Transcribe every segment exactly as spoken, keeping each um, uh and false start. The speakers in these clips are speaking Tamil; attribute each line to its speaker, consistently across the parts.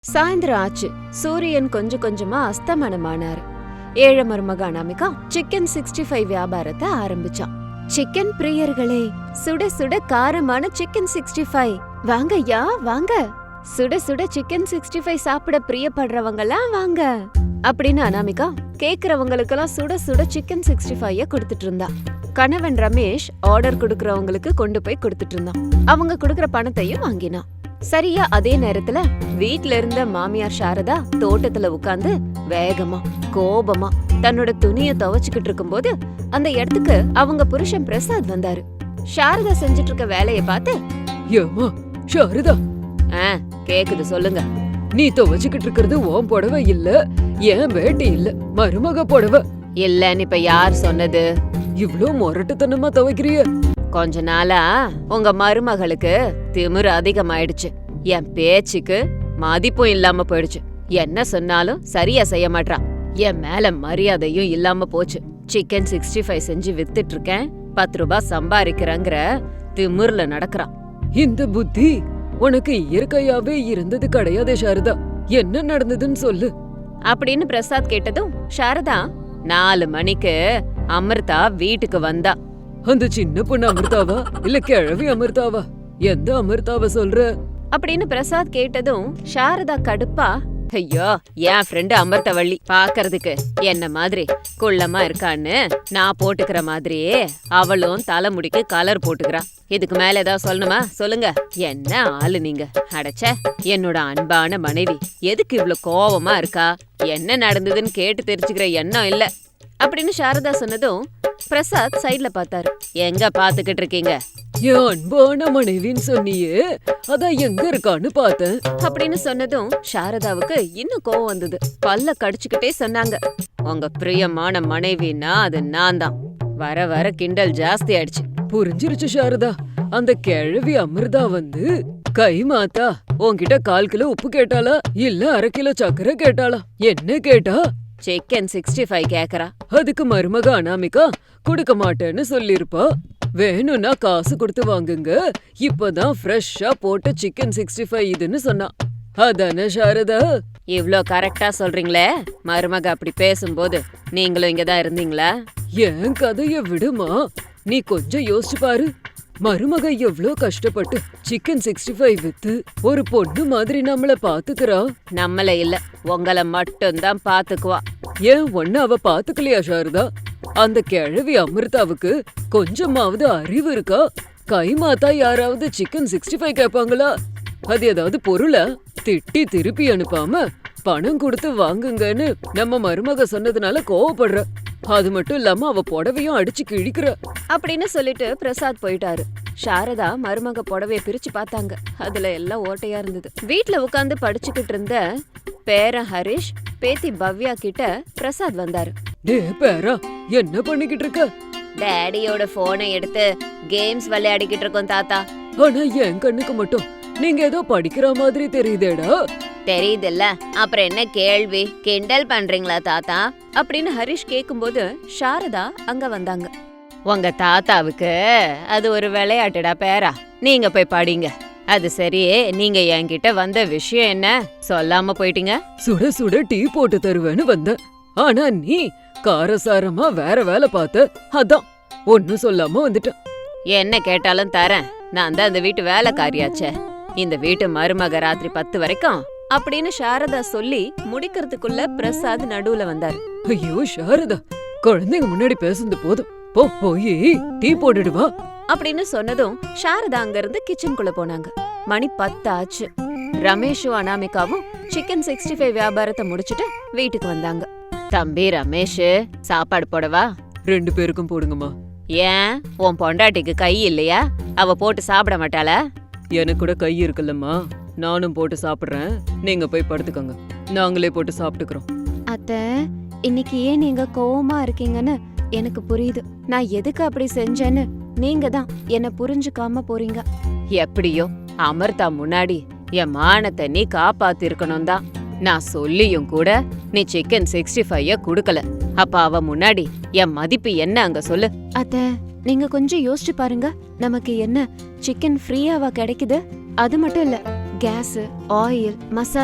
Speaker 1: சாயந்தரம் ஆச்சு. சூரியன் கொஞ்சம் கொஞ்சமா அஸ்தமனமானாரு. ஏழை மருமக அனாமிகா சிக்கன் சிக்ஸ்டி ஃபைவ் வியாபாரத்தை ஆரம்பிச்சான். சிக்கன் பிரியர்களே, சுட சுட காரமான சிக்கன் சிக்ஸ்டி ஃபைவ் வாங்க யா வாங்க, சுட சுட சிக்கன் சிக்ஸ்டி ஃபைவ் சாப்பிட பிரியப்படுறவங்கலாம் வாங்க அப்படின்னு அனாமிகா கேக்குறவங்களுக்கெல்லாம் சுட சுட சிக்கன் சிக்ஸ்டி ஃபைவ் கொடுத்துட்டு இருந்தா. கணவன் ரமேஷ் ஆர்டர் குடுக்கறவங்களுக்கு கொண்டு போய் கொடுத்துட்டு இருந்தான். அவங்க குடுக்கற பணத்தையும் வாங்கினான். சரியா அதே நேரத்துல வீட்ல இருந்த மாமியார் சாரதா தோட்டத்துல உட்கார்ந்து வேகமா கோபமா தன்னோட துணிய துவைச்சுக்கிட்டு இருக்கும் போது அந்த இடத்துக்கு அவங்க புருஷன் பிரசாத் வந்தாரு. சாரதா செஞ்சுட்டு இருக்க வேலைய பார்த்து,
Speaker 2: ஏமா சாரதா,
Speaker 1: ஆ கேக்குது சொல்லுங்க.
Speaker 2: நீ துவைச்சுக்கிட்டு இருக்கிறது உன் புடவை இல்ல, ஏன் வேட்டி இல்ல, மருமக புடவை
Speaker 1: இல்லன்னு இப்ப யார் சொன்னது?
Speaker 2: இவ்ளோ மொரட்டுத்தனமா துவைக்கிறிய?
Speaker 1: கொஞ்ச நாளா உங்க மருமகளுக்கு திமிரு அதிகமாயிடுச்சு. என் பேச்சுக்கு மதிப்பும் இல்லாம போயிடுச்சு. என்ன சொன்னாலும் சரியா செய்ய மாட்டா. என் மேல மரியாதையும் இல்லாம போச்சு. சிக்கன் சிக்ஸ்டி ஃபைவ் செஞ்சு வித்துட்டு இருக்கேன், பத்து ரூபாய் சம்பாதிக்கிறேங்கிற திமிர்ல நடக்கறான்.
Speaker 2: இந்த புத்தி உனக்கு இயற்கையாவே இருந்தது கிடையாதே சாரதா, என்ன நடந்ததுன்னு சொல்லு
Speaker 1: அப்படின்னு பிரசாத் கேட்டதும் சாரதா, நாலு மணிக்கு அமிர்தா வீட்டுக்கு வந்தா.
Speaker 2: அந்த சின்ன பொண்ணு அமிர்தாவா இல்ல கிழவி அமிர்தாவா? எந்த அமிர்தாவ சொல்ற
Speaker 1: அப்படின்னு பிரசாத் கேட்டதும் சாரதா கடுப்பா, ஐயோ என் ஃப்ரெண்டு அமிர்தவள்ளி பாக்குறதுக்கு என்ன மாதிரி குள்ளமா இருக்கான்னு நான் போட்டுக்கிற மாதிரியே அவளும் தலைமுடிக்கு கலர் போட்டுக்கிறா. இதுக்கு மேல ஏதாவது சொல்லணுமா சொல்லுங்க. என்ன ஆளு நீங்க? அடைச்ச என்னோட அன்பான மனைவி எதுக்கு இவ்வளவு கோவமா இருக்கா? என்ன நடந்ததுன்னு கேட்டு தெரிஞ்சுக்கிற எண்ணம் இல்ல அப்படின்னு சாரதா சொன்னதும் பிரசாத் சைட்ல பார்த்தாரு. எங்க பாத்துக்கிட்டு இருக்கீங்க?
Speaker 2: என் அன்பான மனைவின்னு சொன்னியே, அதான் எங்க இருக்கான்னு பார்த்தேன்
Speaker 1: அப்படின்னு சொன்னதும் சாரதாவுக்கு இன்னும் கோவம் வந்தது. பல்ல கடிச்சுக்கிட்டே சொன்னாங்க, உங்க பிரியமான மனைவின்னா அது நான் தான். வர வர கிண்டல் ஜாஸ்தி ஆயிடுச்சு.
Speaker 2: புரிஞ்சிருச்சு சாரதா, அந்த கிழவி அமிர்தா வந்து கை மாத்தா உன்கிட்ட கால் கிலோ உப்பு கேட்டாளா இல்ல அரை கிலோ சக்கரை கேட்டாளா? என்ன கேட்டா?
Speaker 1: சிக்கன் சிக்ஸ்டி ஃபைவ் கேக்குறா.
Speaker 2: அதுக்கு மருமக அனாமிகா கொடுக்க மாட்டேன்னு சொல்லிருப்பா. வேணும்னா காசு கொடுத்து வாங்குங்க, இப்பதான் ஃப்ரெஷ்ஷா போட்ட சிக்கன் சிக்ஸ்டி ஃபைவ் இதுன்னு சொன்னா. அதானே சாரதா?
Speaker 1: இவ்ளோ கரெக்டா சொல்றீங்களே, மருமக அப்படி பேசும்போது நீங்களும் இங்கதான் இருந்தீங்களா?
Speaker 2: என் கதைய விடுமா, நீ கொஞ்சம் யோசிச்சு பாரு. மருமக எவ்ளோ கஷ்டப்பட்டு சிக்கன் சிக்ஸ்டி ஃபைவ் வித்து ஒரு பொண்ணு மாதிரி நம்மள பாத்துக்கிறா.
Speaker 1: நம்மள இல்ல, உங்களை மட்டும்தான் பாத்துக்குவா.
Speaker 2: ஏன் ஒன்னு அவ பாத்துக்கலையா சாரதா? அந்த கிழவி அமிர்தாவுக்கு கொஞ்சமாவது அறிவு இருக்கா? கைமாத்தா யாராவது சிக்கன் சிக்ஸ்டி ஃபைவ் கேட்பாங்களா? அது ஏதாவது பொருளை திட்டி திருப்பி அனுப்பாம பணம் கொடுத்து வாங்குங்கன்னு நம்ம மருமக சொன்னதுனால கோவப்படுற. அது மட்டும் இல்லாம அவ புடவையும் அடிச்சு கிழிக்கிற
Speaker 1: அப்படின்னு சொல்லிட்டு பிரசாத் போயிட்டாரு. சாரதா மருமக புடவைய பிரிச்சு பார்த்தாங்க. அதுல எல்லாம் ஓட்டையா இருந்தது. வீட்ல உட்கார்ந்து படிச்சுக்கிட்டு இருந்த பேரன் ஹரிஷ் பேத்தி பவ்யா கிட்ட பிரசாத் வந்தாரு.
Speaker 2: டே பேரா, என்ன பண்ணிக்கிட்டு இருக்க?
Speaker 1: டேடியோட போனை எடுத்து கேம்ஸ் விளையாடிக்கிட்டு இருக்கோம் தாத்தா.
Speaker 2: ஆனா என் கண்ணுக்கு மட்டும் நீங்க ஏதோ படிக்கிற மாதிரி தெரியுதேடா.
Speaker 1: தெரியுதுல்ல, அப்புறம் என்ன கேள்வி? கிண்டல் பண்றீங்களா தாத்தா அப்படின்னு ஹரிஷ் கேக்கும்போது சாரதா அங்க வந்தாங்க. உங்க தாத்தாவுக்கு அது ஒரு விளையாட்டுடா பேரா, நீங்க போய் படிங்க. அது சரி, நீங்க என்கிட்ட வந்த விஷயம் என்ன சொல்லாம போயிட்டீங்க?
Speaker 2: சுட சுட டீ போட்டு தருவேன்னு வந்த, ஆனா நீ காரசாரமா வேற வேலை பார்த்த, அதான் ஒன்னும் சொல்லாம வந்துட்ட.
Speaker 1: என்ன கேட்டாலும் தரேன், நான் தான் அந்த வீட்டு வேலைக்காரியாச்சே, இந்த வீட்டு மருமக ராத்திரி பத்து வரைக்கும் அப்படின்னு சாரதா சொல்லி முடிக்கிறதுக்குள்ள பிரசாத் நடுவுல வந்தாரு.
Speaker 2: ஐயோ சாரதா, குழந்தைங்க முன்னாடி பேசுறது போதும், போ போய் டீ போட்டுடுவா
Speaker 1: அப்படின்னு சொன்னதும் சாரதா அங்க இருந்து கிச்சனுக்குள்ள போனாங்க. மணி பத்து ஆச்சு. ரமேஷும் அனாமிகாவும் சிக்கன் சிக்ஸ்டி ஃபைவ் வியாபாரத்தை முடிச்சுட்டு வீட்டுக்கு வந்தாங்க. தம்பி ரமேஷ், சாப்பாடு போடவா?
Speaker 2: ரெண்டு பேருக்கும் போடுங்கம்மா.
Speaker 1: ஏன், உன் பொண்டாட்டிக்கு கை இல்லையா? அவ போட்டு சாப்பிட மாட்டாளா?
Speaker 2: எனக்கு கூட கை இருக்குல்லம்மா, நானும் போட்டு சாப்பிடுறேன், நீங்க போய் படுத்துக்கோங்க, நாங்களே போட்டு சாப்பிட்டுக்கிறோம்.
Speaker 1: அத்த, இன்னைக்கு ஏன் நீங்க கோவமா இருக்கீங்கன்னு எனக்கு புரியுது. நான் எதுக்கு அப்படி செஞ்சேன்னு நீங்க தான் என்ன புரிஞ்சுக்காம போறீங்க. எப்படியோ அமிர்தா முன்னாடி என் மானத்தை நீ காப்பாத்தி இருக்கணும் தான். நான் சொல்லியும் கூட நீ சிக்கன் சிக்ஸ்டி ஃபைவ் குடுக்கல. அப்ப அவ முன்னாடி என் மதிப்பு என்ன அங்க சொல்லு. அத்த, நீங்க கொஞ்சம் யோசிச்சு பாருங்க. நமக்கு என்ன சிக்கன் ஃப்ரீயாவா கிடைக்குது? அது மட்டும் இல்ல, கேஸ், ஆயில், மசாலா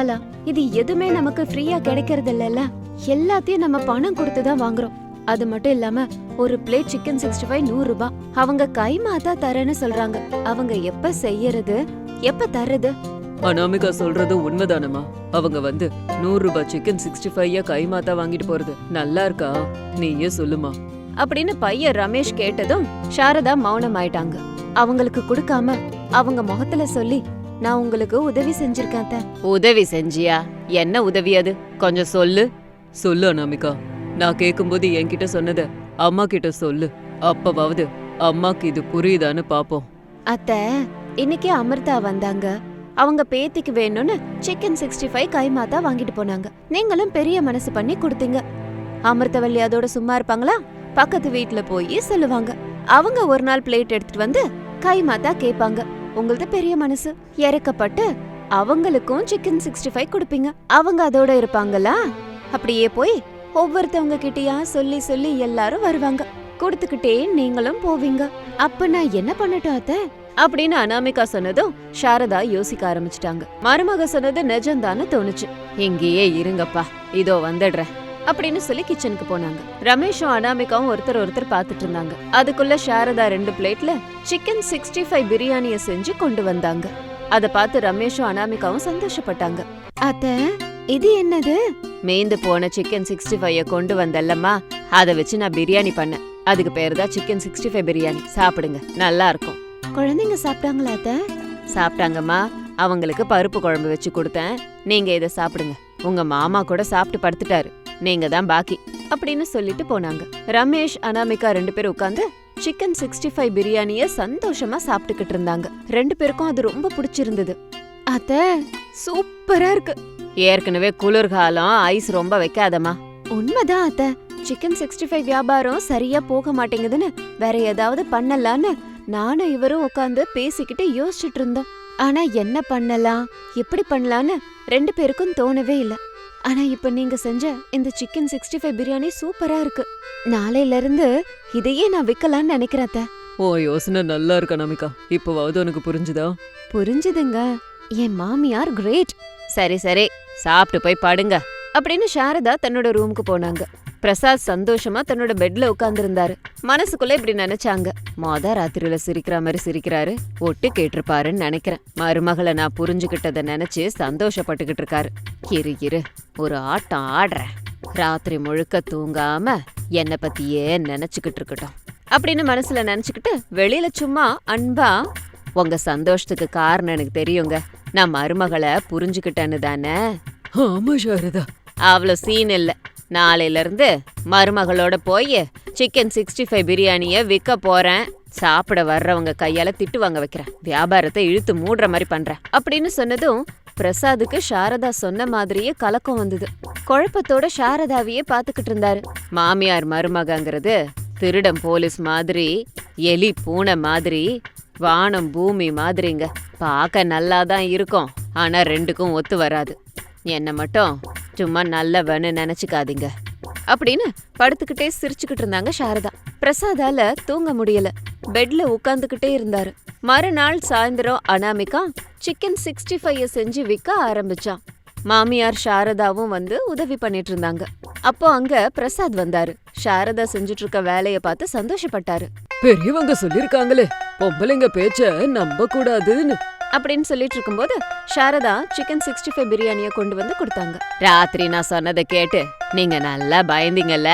Speaker 1: இது எதுவுமே நமக்கு ஃப்ரீயா கிடைக்கிறது இல்லல்ல, எல்லாத்தையும் நம்ம பணம் கொடுத்து தான் வாங்குறோம். அது மட்டும் இல்லாம ஒரு பிளேட் சிக்கன் சிக்ஸ்டி ஃபைவ் நூறு ரூபாய். அவங்க கைமாத்தா தரேன்னு சொல்றாங்க. அவங்க எப்ப செய்யறது, எப்ப தர்றது?
Speaker 2: அனாமிகா சொல்றது உண்மைதானமா? அவங்க வந்து நூறு ரூபாய் சிக்கன் சிக்ஸ்டி ஃபைவ் கைமாத்தா வாங்கிட்டு போறது நல்லா இருக்கா? நீயே சொல்லுமா
Speaker 1: அப்படின்னு பையன் ரமேஷ் கேட்டதும் சாரதா மௌனம் ஆயிட்டாங்க. அவங்களுக்கு கொடுக்காம அவங்க முகத்துல சொல்லி, நான் உங்களுக்கு உதவி செஞ்சிருக்கேன் அத்தை. உதவி செஞ்சியா? என்ன உதவி அது, கொஞ்சம் சொல்லு.
Speaker 2: சொல்லு அனாமிகா. நான் கேக்கும்போது என்கிட்ட சொன்னத அம்மா கிட்ட சொல்லு. அப்பவாவது அம்மாக்கு இது புரியுதான்னு பாப்போம்.
Speaker 1: அத்தை, இன்னைக்கு அமிர்தா வந்தாங்க. அவங்க பேத்திக்கு வேணும்னு சிக்கன் சிக்ஸ்டி ஃபைவ் கைமாத்தா வாங்கிட்டு போனாங்க. நீங்களும் பெரிய மனசு பண்ணி கொடுத்தீங்க. அமிர்தவல்லி அதோட சும்மா இருப்பாங்களா? பக்கத்து வீட்டுல போய் சொல்லுவாங்க. அவங்க ஒரு நாள் பிளேட் எடுத்துட்டு வந்து கைமாத்தா கேட்பாங்க. உங்களது பெரிய மனசு, இறக்கப்பட்டு அவங்களுக்கும் சிக்கன் சிக்ஸ்டி ஃபைவ் கொடுப்பீங்க. அவங்க அதோட இருப்பாங்களா? அப்படியே போய் ஒவ்வொருத்தவங்க கிட்டயா சொல்லி சொல்லி எல்லாரும் வருவாங்க. கொடுத்துக்கிட்டே நீங்களும் போவீங்க. அப்ப நான் என்ன பண்ணட்டும் அத்தை அப்படின்னு அனாமிகா சொன்னதும் சாரதா யோசிக்க ஆரம்பிச்சிட்டாங்க. மருமக சொன்னது நிஜம்தான்னு தோணுச்சு. இங்கேயே இருங்கப்பா, இதோ வந்துடுறேன் அப்படின்னு சொல்லி கிச்சனுக்கு போனாங்க. ரமேஷும் அனாமிகாவும் ஒருத்தர் ஒருத்தர் பாத்துட்டு இருந்தாங்க. அதுக்குள்ள சாரதா ரெண்டு பிளேட்ல சிக்கன் சிக்ஸ்டி ஃபைவ் பிரியாணிய செஞ்சு கொண்டு வந்தாங்க. அத பார்த்து ரமேஷும் அனாமிகாவும் சந்தோஷப்பட்டாங்க. அத்தை, இது என்னது? மேந்து போன சிக்கன் சிக்ஸ்டி ஃபைவ் கொண்டு வந்தல்லம்மா, அத வச்சு நான் பிரியாணி பண்ணேன். அதுக்கு பேரு தான் சிக்கன் சிக்ஸ்டி ஃபைவ் பிரியாணி. சாப்பிடுங்க, நல்லா இருக்கும். குழந்தைங்க சாப்பிட்டாங்களா அத்தை? சாப்பிட்டாங்கம்மா. அவங்களுக்கு பருப்பு குழம்பு வச்சு கொடுத்தேன். நீங்க இதை சாப்பிடுங்க. உங்க மாமா கூட சாப்பிட்டு படுத்துட்டாரு, நீங்க தான் பாக்கி அப்படின்னு சொல்லிட்டு போனாங்க. ரமேஷ் அனாமிகா ரெண்டு பேரும் உட்காந்து சிக்கன் சிக்ஸ்டி ஃபைவ் பிரியாணிய சந்தோஷமா சாப்பிட்டுக்கிட்டு இருந்தாங்க. ரெண்டு பேருக்கும் அது ரொம்ப பிடிச்சிருந்தது. அத்தை, சூப்பரா இருக்கு. ஏற்கனவே குளிர்காலம், ஐஸ் ரொம்ப வைக்காதமா. உண்மைதான் அத்தை, சிக்கன் சிக்ஸ்டி ஃபைவ் வியாபாரம் சரியா போக மாட்டேங்குதுன்னு வேற ஏதாவது பண்ணலான்னு நானும் இவரும் உட்காந்து பேசிக்கிட்டு யோசிச்சுட்டு இருந்தோம். ஆனா என்ன பண்ணலாம், எப்படி பண்ணலான்னு ரெண்டு பேருக்கும் தோணவே இல்ல. ஆனா இப்ப நீங்க செஞ்ச இந்த சிக்கன் சிக்ஸ்டி ஃபைவ் பிரியாணி சூப்பரா இருக்கு. நாளையில இருந்து இதையே நான் விக்கலான்னு நினைக்கிறேன் அத்தை.
Speaker 2: ஓ, யோசனை நல்லா இருக்கு அனாமிகா. இப்பவாவது உனக்கு புரிஞ்சுதா?
Speaker 1: புரிஞ்சுதுங்க. என் மாமியார் கிரேட். சரி சரி, சாப்பிட்டு போய் படுங்க அப்படின்னு சாரதா தன்னோட ரூமுக்கு போனாங்க. பிரசாத் சந்தோஷமா தன்னோட பெட்ல உட்கார்ந்து இருந்தாரு. மனசுக்குள்ள இப்படி நினைச்சாங்க, மொத ராத்திரியில சிரிக்கிற மாதிரி சிரிக்கிறாரு, ஒட்டு கேட்டிருப்பாருன்னு நினைக்கிறேன். மருமகளை நான் புரிஞ்சுகிட்டத நினைச்சு சந்தோஷப்பட்டுக்கிட்டு இருக்காரு. இரு இரு, ஒரு ஆட்டம் ஆடுறேன். ராத்திரி முழுக்க தூங்காம என்ன பத்தியே நினைச்சுக்கிட்டு இருக்கட்டும் அப்படின்னு மனசுல நினைச்சுக்கிட்டு வெளியில சும்மா அன்பா, உங்க சந்தோஷத்துக்கு காரணம் எனக்கு தெரியுங்க, நான் மருமகளை புரிஞ்சுக்கிட்டேன்னு தானே.
Speaker 2: ஆமா சாரதா.
Speaker 1: அவ்வளோ சீன் இல்ல. நாளையில இருந்து மருமகளோட போய் சிக்கன் சிக்ஸ்டி ஃபைவ் பிரியாணிய விற்க போறேன். சாப்பிட வர்றவங்க கையால திட்டு வாங்க வைக்கிறேன். வியாபாரத்தை இழுத்து மூடுற மாதிரி பண்றேன் அப்படின்னு சொன்னதும் பிரசாதுக்கு சாரதா சொன்ன மாதிரியே கலக்கம் வந்தது. குழப்பத்தோட சாரதாவையே பாத்துக்கிட்டு இருந்தாரு. மாமியார் மருமகங்கிறது திருடம் போலீஸ் மாதிரி, எலி பூனை மாதிரி, வானம் பூமி மாதிரிங்க. பார்க்க நல்லாதான் இருக்கும், ஆனா ரெண்டுக்கும் ஒத்து வராது. என்ன மட்டும் சும்மா நல்லவன்னு நினைச்சுக்காதீங்க அப்படின்னு படுத்துக்கிட்டே சிரிச்சுக்கிட்டு இருந்தாங்க சாரதா. பிரசாதால தூங்க முடியல, பெட்ல உட்கார்ந்துகிட்டே இருந்தாரு. மறுநாள் சாயந்தரம் அனாமிகா சிக்கன் சிக்ஸ்டி ஃபைவ் செஞ்சு விற்க ஆரம்பிச்சான். மாமியார் சாரதாவும் வந்து உதவி பண்ணிட்டு இருந்தாங்க. அப்போ அங்க பிரசாத் வந்தாரு. சாரதா செஞ்சுட்டு இருக்க வேலைய பார்த்து சந்தோஷப்பட்டாரு.
Speaker 2: பெரியவங்க சொல்லிருக்காங்களே, பொம்பளைங்க பேச்ச நம்ப கூடாதுன்னு
Speaker 1: அப்படின்னு சொல்லிட்டு இருக்கும்போது சாரதா சிக்கன் சிக்ஸ்டி ஃபைவ் பிரியாணிய கொண்டு வந்து கொடுத்தாங்க. ராத்திரி நான் சொன்னதை கேட்டு நீங்க நல்லா பயந்தீங்கல்ல?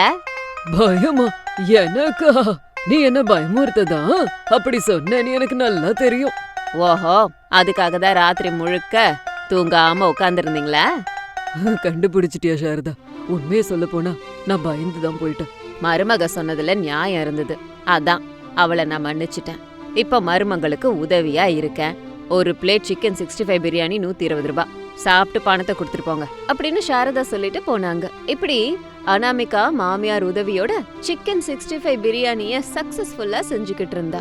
Speaker 2: பயமா? எனக்கா? நீ என்ன பயமுறுத்ததா? அப்படி சொன்னேன்னு எனக்கு நல்லா தெரியும்.
Speaker 1: ஓஹோ, அதுக்காக தான் ராத்திரி முழுக்க தூங்காம உட்கார்ந்துருந்தீங்களா?
Speaker 2: கண்டுபிடிச்சிட்டியா சாரதா? உண்மையை சொல்ல போனா நான் பயந்துதான் போயிட்டேன்.
Speaker 1: மருமக சொன்னதுல நியாயம் இருந்தது, அதான் அவளை நான் மன்னிச்சிட்டேன். இப்ப மருமங்களுக்கு உதவியா இருக்கேன். ஒரு plate chicken sixty five biryani நூத்தி இருபது ரூபாய். சாப்பிட்டு பணத்தை கொடுத்துட்டு போங்க அப்படின்னு சாரதா சொல்லிட்டு போனாங்க. இப்படி அனாமிகா மாமியார் உதவியோட சிக்கன் சிக்ஸ்டி ஃபைவ் பிரியாணிய சக்சஸ்ஃபுல்லா செஞ்சுக்கிட்டு இருந்தா.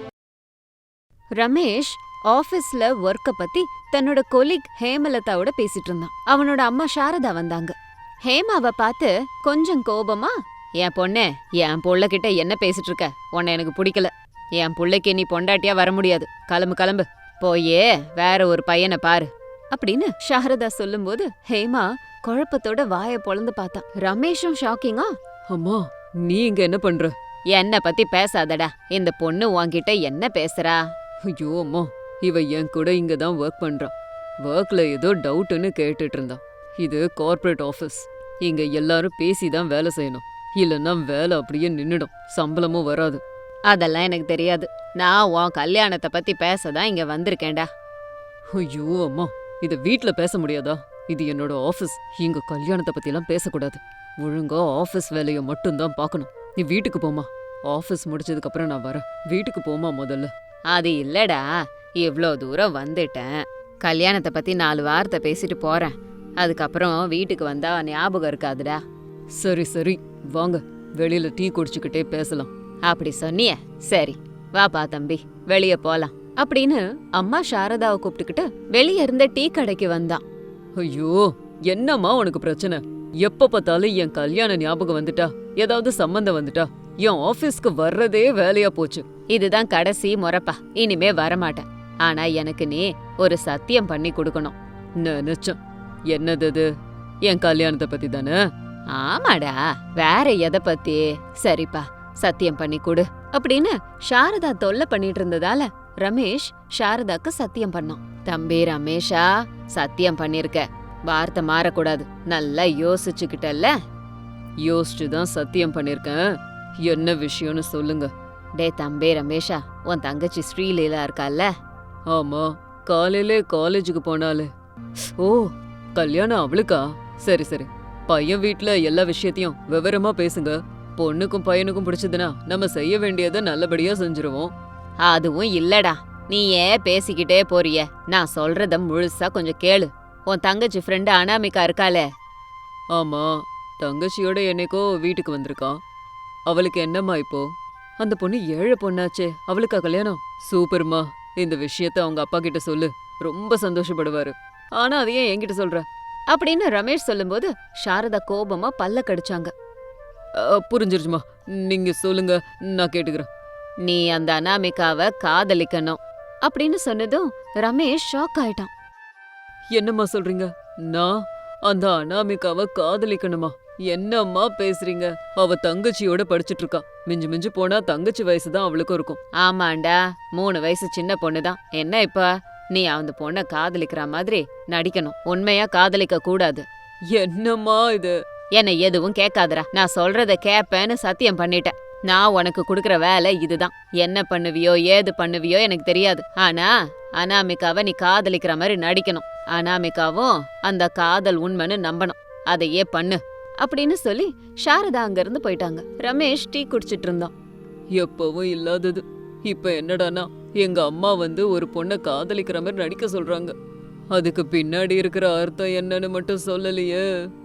Speaker 1: ரமேஷ் ஆபீஸ்ல ஒர்க்க பத்தி தன்னோட கொலீக் ஹேமலதாவோட பேசிட்டு இருந்தான். அவனோட அம்மா சாரதா வந்தாங்க. ஹேமாவை பார்த்து கொஞ்சம் கோபமா, என் பொண்ணே, என் புள்ள கிட்ட என்ன பேசிட்டு இருக்க? உன்னை எனக்கு பிடிக்கல. என் புள்ளைக்கு நீ பொண்டாட்டியா வர முடியாது. கிளம்பு கிளம்பு, போயே வேற ஒரு பையனை பாரு அப்படின்னு சாரதா சொல்லும்போது ஹேமா குழப்பத்தோட வாய பொளந்து பார்த்தா. ரமேஷும் ஷாக்கிங்கா,
Speaker 2: அம்மா நீ இங்க என்ன பண்ற?
Speaker 1: என்ன பத்தி பேசாதடா, இந்த பொண்ணு உன்கிட்ட என்ன பேசுறா?
Speaker 2: ஐயோ அம்மா, இவ என் கூட இங்க தான் ஒர்க் பண்றான். ஒர்க்ல ஏதோ டவுட்னு கேட்டுட்டு இருந்தான். இது கார்ப்பரேட் ஆஃபீஸ். இங்க எல்லாரும் பேசி தான் வேலை செய்யணும். இல்லைன்னா வேலை அப்படியே நின்னுடும், சம்பளமும் வராது.
Speaker 1: அதெல்லாம் எனக்கு தெரியாது. நான் உன் கல்யாணத்தை பத்தி பேசதான் இங்க வந்திருக்கேன்டா.
Speaker 2: ஐயோ அம்மா, இத வீட்ல பேச முடியாதா? இது என்னோட ஆஃபீஸ். இங்க கல்யாணத்தை பத்திலாம் பேசக்கூடாது. ஒழுங்கா ஆஃபீஸ் வேலையை மட்டும்தான் பார்க்கணும். நீ வீட்டுக்கு போமா. ஆஃபீஸ் முடிச்சதுக்கு அப்புறம் நான் வரேன். வீட்டுக்கு போமா முதல்ல.
Speaker 1: அது இல்லடா, இவ்ளோ தூரம் வந்துட்டேன். கல்யாணத்தை பத்தி நாலு வார்த்தை பேசிட்டு போறேன். அதுக்கப்புறம் வீட்டுக்கு வந்தா ஞாபகம் இருக்காதுடா.
Speaker 2: சரி சரி வாங்க, வெளியில டீ குடிச்சுக்கிட்டே பேசலாம்.
Speaker 1: அப்படி சொன்னிய? சரி வாப்பா தம்பி, வெளிய போலாம் அப்படின்னு அம்மா சாரதாவை கூப்பிட்டுக்கிட்டு வெளிய இருந்த டீ கடைக்கு வந்தான்.
Speaker 2: ஐயோ, என்னம்மா உனக்கு பிரச்சனை? எப்ப பார்த்தாலும் என் கல்யாண ஞாபகம் வந்துட்டா, ஏதாவது சம்பந்தம் வந்துட்டா என் ஆபீஸ்க்கு வர்றதே வேலையா போச்சு.
Speaker 1: இதுதான் கடைசி முறைப்பா, இனிமே வரமாட்டேன். ஆனா எனக்கு நீ ஒரு சத்தியம் பண்ணி கொடுக்கணும்.
Speaker 2: நினைச்சேன். என்னது அது? என் கல்யாணத்தை பத்தி தானே?
Speaker 1: ஆமாடா, வேற எதை பத்தி? சரிப்பா, சத்தியம் பண்ணி கொடு அப்படின்னு சாரதா தொல்லை பண்ணிட்டு இருந்ததால ரமேஷ் சாரதாக்கு சத்தியம் பண்ணான். தம்பி ரமேஷா, சத்தியம் பண்ணிருக்க, வார்த்தை மாறக்கூடாது. நல்லா யோசிச்சுக்கிட்டல்ல?
Speaker 2: யோசிச்சு தான் சத்தியம் பண்ணிருக்கேன். என்ன விஷயம்னு சொல்லுங்க.
Speaker 1: டே தம்பி ரமேஷா, உன் தங்கச்சி ஸ்ரீலீலா இருக்கால்ல?
Speaker 2: ஆமா, காலையிலே காலேஜுக்கு போனாலே. ஓ, கல்யாணம் அவளுக்கா? சரி சரி, பையன் வீட்ல எல்லா விஷயத்தையும் விவரமா பேசுங்க. பொண்ணுக்கும் பையனுக்கும் பிடிச்சதுன்னா நம்ம செய்ய வேண்டியதை நல்லபடியா செஞ்சிருவோம்.
Speaker 1: அதுவும் இல்லடா, நீ ஏன் பேசிக்கிட்டே போறிய? நான் சொல்றத முழுசா கொஞ்சம் கேளு. உன் தங்கச்சி ஃப்ரெண்டு அனாமிகா இருக்காளே?
Speaker 2: ஆமா, தங்கச்சியோட என்னைக்கோ வீட்டுக்கு வந்திருக்கா. அவளுக்கு என்னம்மா இப்போ? அந்த பொண்ணு ஏழை பொண்ணாச்சே, அவளுக்கா கல்யாணம்? சூப்பர்மா, இந்த விஷயத்த அவங்க அப்பா கிட்ட சொல்லு, ரொம்ப சந்தோஷப்படுவாரு. ஆனா அதையே என்கிட்ட சொல்ற
Speaker 1: அப்படின்னு ரமேஷ் சொல்லும்போது சாரதா கோபமா பல்ல கடிச்சாங்க.
Speaker 2: புரிஞ்சிருச்சுமா, நீங்க சொல்லுங்க, நான் கேட்டுக்கிறேன்.
Speaker 1: நீ அந்த அனாமிகாவை காதலிக்கணும் அப்படின்னு சொன்னதும் ரமேஷ் ஷாக் ஆயிட்டான்.
Speaker 2: என்னம்மா சொல்றீங்க? நான் அந்த அனாமிகாவை காதலிக்கணுமா? என்னம்மா பேசுறீங்க? அவ தங்கச்சியோட படிச்சிட்டு இருக்கா. மிஞ்சு மிஞ்சு போனா தங்கச்சி வயசுதான் அவளுக்கும் இருக்கும்.
Speaker 1: ஆமாண்டா, மூணு வயசு சின்ன பொண்ணுதான். என்ன இப்ப நீ அந்த பொண்ண காதலிக்கிற மாதிரி நடிக்கணும், உண்மையா காதலிக்க கூடாது.
Speaker 2: என்னம்மா இது?
Speaker 1: என்ன எதுவும் கேட்காதடா, நான் சொல்றத கேப்பேன்னு சத்தியம் பண்ணிட்டேன். நான் உனக்கு குடுக்கற வேலை இதுதான். என்ன பண்ணுவியோ ஏது பண்ணுவியோ எனக்கு தெரியாது. ஆனா அனாமிகாவை நீ காதலிக்கிற மாதிரி நடிக்கணும். அனாமிகாவும் அந்த காதல் உண்மைன்னு நம்பணும். அதையே பண்ணு அப்படின்னு சொல்லி சாரதா அங்க இருந்து போயிட்டாங்க. ரமேஷ் டீ குடிச்சிட்டு இருந்தான்.
Speaker 2: எப்பவும் இல்லாதது இப்ப என்னடானா, எங்க அம்மா வந்து ஒரு பொண்ணை காதலிக்கிற மாதிரி நடிக்க சொல்றாங்க. அதுக்கு பின்னாடி இருக்கிற அர்த்தம் என்னன்னு மட்டும் சொல்லலையே.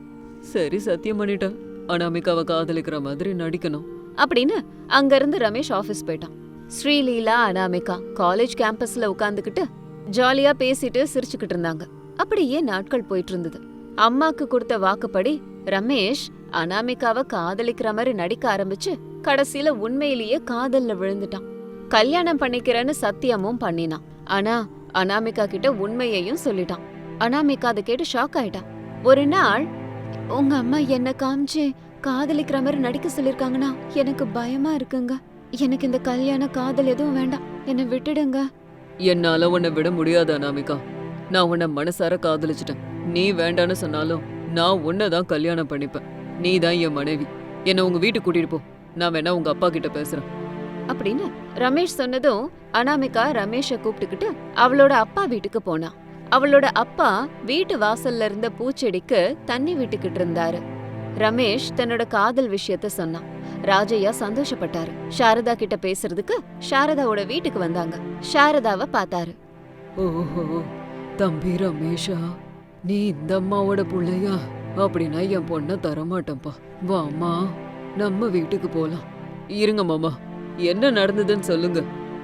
Speaker 2: சரி, சத்தியம் பண்ணிட்டேன், அனாமிகாவை காதலிக்கிற மாதிரி நடிக்கணும்
Speaker 1: அப்படின்னு அங்க இருந்து ரமேஷ் ஆபீஸ் போயிட்டான். ஸ்ரீலீலா அனாமிகா காலேஜ் கேம்பஸ்ல உட்காந்துக்கிட்டு ஜாலியா பேசிட்டு சிரிச்சுக்கிட்டு இருந்தாங்க. அப்படியே நாட்கள் போயிட்டு இருந்தது. அம்மாக்கு கொடுத்த வாக்குப்படி ரமேஷ் அனாமிகாவை காதலிக்கிற மாதிரி நடிக்க ஆரம்பிச்சு கடைசியில உண்மையிலேயே காதல்ல விழுந்துட்டான். கல்யாணம் பண்ணிக்கிறேன்னு சத்தியமும் பண்ணினான். ஆனா அனாமிகா கிட்ட உண்மையையும் சொல்லிட்டான். அனாமிகா அதை கேட்டு ஷாக் ஆயிட்டான். ஒரு நாள், உங்க அம்மா என்ன காமிச்சு காதலிக்கிற மாதிரி நடிக்க சொல்லிருக்காங்கன்னா எனக்கு பயமா இருக்குங்க. எனக்கு இந்த கல்யாண காதல் எதுவும் வேண்டாம், என்னை விட்டுடுங்க.
Speaker 2: என்னால உன்னை விட முடியாது அனாமிகா. நான் உன்னை மனசார காதலிச்சிட்டேன். நீ வேண்டான்னு சொன்னாலும் நான் உன்னைதான் கல்யாணம் பண்ணிப்பேன். நீ தான் என் மனைவி. என்னை உங்க வீட்டுக்கு கூட்டிட்டு போ. நான் வேணா உங்க அப்பா கிட்ட பேசுறேன்
Speaker 1: அப்படின்னு ரமேஷ் சொன்னதும் அனாமிகா ரமேஷ கூப்பிட்டுக்கிட்டு அவளோட அப்பா வீட்டுக்கு போனா. அவளோட அப்பா வீட்டு வாசல்ல இருந்த பூச்செடிக்கு தண்ணி விட்டுக்கிட்டு இருந்தாரு. ரமேஷ் தன்னோட காதல் விஷயத்த சொன்னான். ராஜையா சந்தோஷப்பட்டாரு. சாரதா கிட்ட பேசுறதுக்கு சாரதாவோட வீட்டுக்கு வந்தாங்க. சாரதாவை பார்த்தாரு.
Speaker 2: ஓஹோ, தம்பி ரமேஷா, நீ இந்த அம்மாவோட புள்ளையா? அப்படின்னா என் பொண்ண தரமாட்டேன்ப்பா. வாமா, நம்ம வீட்டுக்கு போலாம். இருங்க மாமா, என்ன நடந்ததுன்னு சொல்லுங்க.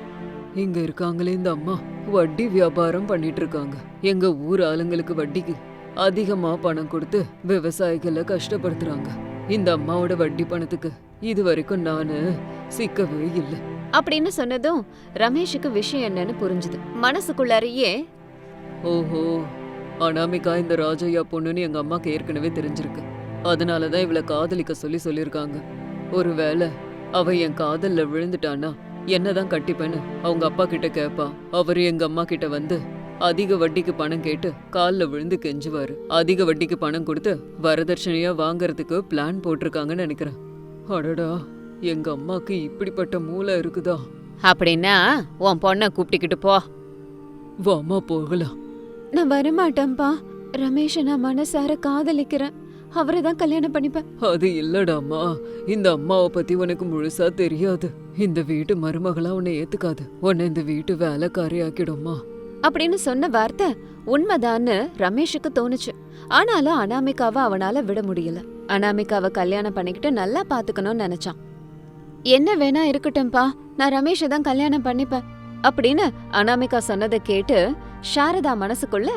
Speaker 2: இங்க இருக்காங்களே இந்த அம்மா, வட்டி வியாபாரம் பண்ணிட்டு இருக்காங்க. எங்க ஊர் ஆளுங்களுக்கு வட்டிக்கு அதிகமா பணம் கொடுத்து விவசாயிகளை கஷ்டப்படுத்துறாங்க. இந்த அம்மாவோட வட்டி பணத்துக்கு இது வரைக்கும் நானு சிக்கவே இல்லை
Speaker 1: அப்படின்னு சொன்னதும் ரமேஷுக்கு விஷயம் என்னன்னு புரிஞ்சுது. மனசுக்குள்ளாரையே,
Speaker 2: ஓஹோ, அனாமிகா இந்த ராஜையா பொண்ணுன்னு எங்க அம்மாக்கு ஏற்கனவே தெரிஞ்சிருக்கு. அதனாலதான் இவளை காதலிக்க சொல்லி சொல்லியிருக்காங்க. ஒருவேளை அவ என் காதல்ல விழுந்துட்டான்னா என்னதான் கட்டிப்பேன்னு அவங்க அப்பா கிட்ட கேப்பா. அவரு எங்க அம்மா கிட்ட வந்து அதிக வட்டிக்கு பணம் கேட்டு கால்ல விழுந்து கெஞ்சுவாரு. அதிக வட்டிக்கு பணம் கொடுத்து வரதட்சணையா வாங்கறதுக்கு பிளான் போட்டிருக்காங்கன்னு நினைக்கிறேன். அடடா, எங்க அம்மாக்கு இப்படிப்பட்ட மூளை இருக்குதா?
Speaker 1: அப்படின்னா உன் பொண்ணை கூப்பிட்டுக்கிட்டு போ.
Speaker 2: வாமா போகலாம்.
Speaker 1: நான் வரமாட்டேன்ப்பா. ரமேஷை நான் மனசார காதலிக்கிறேன். அவரை தான் கல்யாணம் பண்ணிப்பேன்.
Speaker 2: அது இல்லடாமா, இந்த அம்மாவை பத்தி உனக்கு முழுசா தெரியாது. இந்த வீட்டு மருமகளா உன்னை ஏத்துக்காது. உன்னை இந்த வீட்டு வேலைக்காரி ஆக்கிடுமா
Speaker 1: அப்படின்னு சொன்ன வார்த்தை உண்மைதான்னு ரமேஷுக்கு தோணுச்சு. ஆனாலும் அனாமிகாவை அவனால விட முடியல. அனாமிகாவை கல்யாணம் பண்ணிக்கிட்டு நல்லா பாத்துக்கணும்னு நினைச்சான். என்ன வேணா இருக்கட்டும்பா, நான் ரமேஷை தான் கல்யாணம் பண்ணிப்பேன் அப்படின்னு அனாமிகா சொன்னதை கேட்டு சாரதா மனசுக்குள்ள,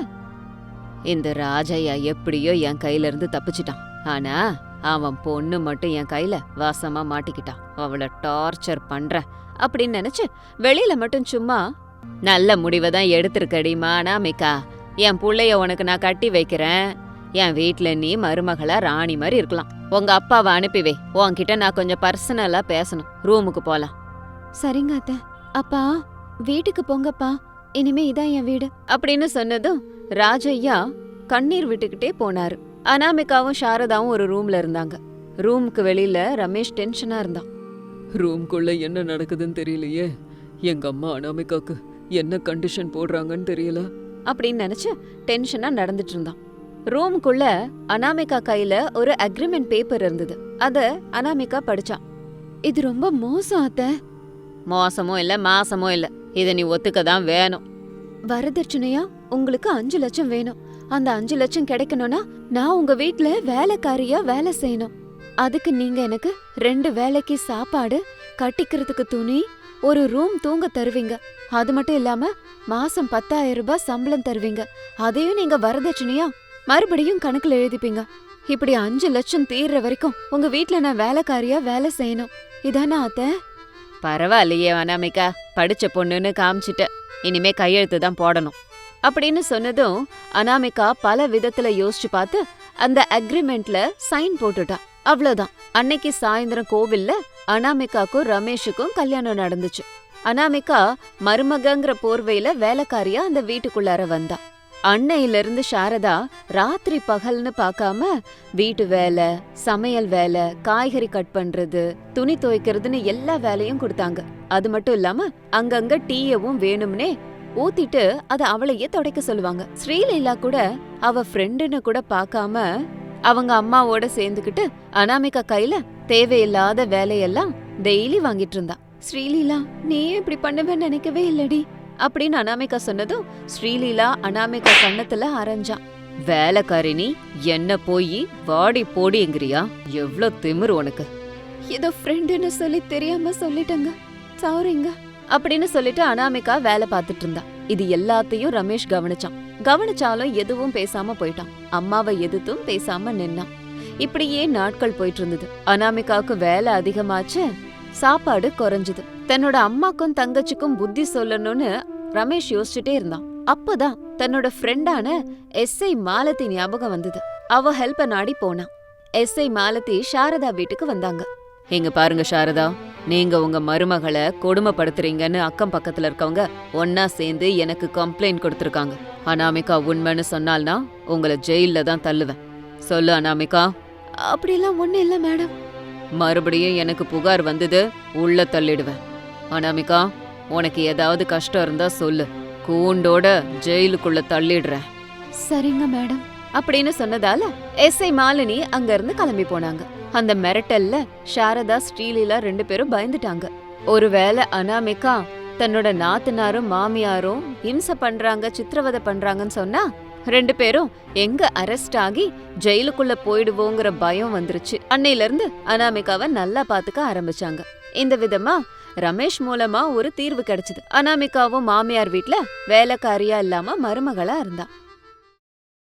Speaker 1: இந்த ராஜையா எப்படியோ என் கையில இருந்து தப்பிச்சிட்டான். ஆனா அவன் பொண்ணு மட்டும் என் கையில வாசமா மாட்டிக்கிட்டான். அவளை டார்ச்சர் பண்ற அப்படின்னு நினைச்சு வெளியில மட்டும் சும்மா, நல்ல முடிவை தான் எடுத்திருக்கடிமா அனாமிகா. என் புள்ளைய உனக்கு நான் கட்டி வைக்கிறேன். என் வீட்ல நீ மருமகளா ராணி மாதிரி இருக்கலாம். உங்க அப்பாவை அனுப்பிவை. உன்கிட்ட நான் கொஞ்சம் பர்சனலா பேசணும். ரூமுக்கு போலாம். சரிங்க அத்தை. அப்பா வீட்டுக்கு போங்கப்பா, இனிமே இதான் என் வீடு அப்படின்னு சொன்னதும் ராஜையா கண்ணீர் விட்டுக்கிட்டே போனாரு. அனாமிகாவும் சாரதாவும் ஒரு ரூம்ல இருந்தாங்க. ரூமுக்கு வெளியில ரமேஷ் டென்ஷனா இருந்தான்.
Speaker 2: ரூம்குள்ள என்ன நடக்குதுன்னு தெரியலையே. எங்க அம்மா அனாமிகாக்கு என்ன கண்டிஷன் போடுறாங்கன்னு தெரியல
Speaker 1: அப்படின்னு நினைச்சு டென்ஷனா நடந்துட்டு இருந்தான். ரூமுக்குள்ள அனாமிகா கையில ஒரு அக்ரிமெண்ட் பேப்பர் இருந்தது. அத அனாமிகா படிச்சான். இது ரொம்ப மோசம் அத்தை. மோசமும் இல்ல மாசமும் இல்ல, இத நீ ஒத்துக்கதான் வேணும். வரதட்சணையா உங்களுக்கு அஞ்சு லட்சம் வேணும். அந்த அஞ்சு லட்சம் கிடைக்கணும்னா நான் உங்க வீட்ல வேலைக்காரியா வேலை செய்யணும். அதுக்கு நீங்க எனக்கு ரெண்டு வேலைக்கு சாப்பாடு, கட்டிக்கிறதுக்கு துணி, ஒரு ரூம் தூங்க தருவீங்க. அது மட்டும் இல்லாம மாசம் பத்தாயிரம் ரூபாய் சம்பளம் தருவீங்க. அதையும் நீங்க வரதட்சணையா மறுபடியும் கணக்குல எழுதிப்பீங்க. இப்படி அஞ்சு லட்சம் தீர்ற வரைக்கும் உங்க வீட்ல நான் வேலைக்காரியா வேலை செய்யணும். இதானா அத்தை? பரவாயில்லையே அனாமிகா, படிச்ச பொண்ணுன்னு காமிச்சிட்ட. இனிமே கையெழுத்து தான் போடணும் அப்படின்னு சொன்னதும் அனாமிகா பல விதத்துல யோசிச்சு பார்த்து அந்த அக்ரிமெண்ட்ல சைன் போட்டுட்டா. அவ்வளவுதான். அன்னைக்கு சாயந்தரம் கோவில்ல அனாமிகாக்கும் ரமேஷுக்கும் கல்யாணம் நடந்துச்சு. அனாமிகா மருமகங்கிற போர்வையில வேலைக்காரியா அந்த வீட்டுக்குள்ளார வந்தா. அன்னையில இருந்து சாரதா ராத்திரி பகல்னு பார்க்காம வீட்டு வேலை, சமையல் வேலை, காய்கறி கட் பண்றது, துணி துவைக்கிறதுன்னு எல்லா வேலையும் கொடுத்தாங்க. அது மட்டும் இல்லாம அங்கங்க டீயவும் வேணும்னே ஊத்திட்டு அத அவளையே துடைக்க சொல்லுவாங்க. ஸ்ரீலீலா கூட அவ ஃப்ரெண்டுன்னு கூட பார்க்காம அவங்க அம்மாவோட சேர்ந்துக்கிட்டு அனாமிகா கையில தேவையில்லாத வேலையெல்லாம் டெய்லி வாங்கிட்டு இருந்தா. ஸ்ரீலீலா, நீ இப்படி பண்ணுவேன்னு நினைக்கவே இல்லடி அப்படின்னு அனாமிகா சொன்னதும் ஸ்ரீலீலா அனாமிகா கண்ணத்துல அரைஞ்சான். வேலைக்காரி நீ என்ன போய் வாடி போடிங்கிறியா? எவ்ளோ திமிரு உனக்கு. ஏதோ ஃப்ரெண்டுன்னு சொல்லி தெரியாம சொல்லிட்டங்க, சாரிங்க அப்படின்னு சொல்லிட்டு அனாமிகா வேலை பார்த்துட்டு இருந்தா. இது எல்லாத்தையும் ரமேஷ் கவனிச்சான். கவனிச்சாலும் எதுவும் பேசாம போயிட்டான். அம்மாவை எதுத்தும் பேசாம நின்னான். இப்படியே நாட்கள் போயிட்டு இருந்தது. அனாமிகாவுக்கு வேலை அதிகமாச்சு, சாப்பாடு குறைஞ்சது. தன்னோட அம்மாக்கும் தங்கச்சிக்கும் புத்தி சொல்லணும்னு ரமேஷ் யோசிச்சுட்டே இருந்தான். அப்பதான் தன்னோட ஃப்ரெண்டான எஸ்ஐ மாலதி ஞாபகம் வந்தது. அவ ஹெல்ப்ப நாடி போனான். எஸ்ஐ மாலதி சாரதா வீட்டுக்கு வந்தாங்க. எங்க பாருங்க சாரதா, நீங்க உங்க மருமகளை கொடுமைப்படுத்துறீங்கன்னு அக்கம் பக்கத்துல இருக்கவங்க ஒன்னா சேர்ந்து எனக்கு கம்ப்ளைண்ட் கொடுத்திருக்காங்க. அனாமிகா உண்மைன்னு சொன்னால்னா உங்களை ஜெயில தான் தள்ளுவேன். சொல்லு அனாமிகா. அப்படிலாம் ஒண்ணு இல்ல மேடம். மறுபடியும் எனக்கு புகார் வந்தது, உள்ள தள்ளிடுவேன். அனாமிகா, உனக்கு ஏதாவது கஷ்டம் இருந்தா சொல்லு, கூண்டோட ஜெயிலுக்குள்ள தள்ளிடுறேன். சரிங்க மேடம் அப்படின்னு சொன்னதால எஸ்ஐ மாலினி அங்க இருந்து கிளம்பி போனாங்க. அந்த மிரட்டல்ல சாரதா ஸ்ரீலீலா ரெண்டு பேரும் பயந்துட்டாங்க. ஒருவேளை அனாமிகா தன்னோட நாத்தனாரும் மாமியாரும் இம்சை பண்றாங்க, சித்திரவதை பண்றாங்கன்னு சொன்னா ரெண்டு பேரும் எங்க அரெஸ்ட் ஆகி ஜெயிலுக்குள்ள போயிடுவோங்கிற பயம் வந்துருச்சு. அன்னையில இருந்து அனாமிகாவை நல்லா பாத்துக்க ஆரம்பிச்சாங்க. இந்த விதமா ரமேஷ் மூலமா ஒரு தீர்வு கிடைச்சது. அனாமிகாவும் மாமியார் வீட்ல வேலைக்காரியா இல்லாம மருமகளா இருந்தா.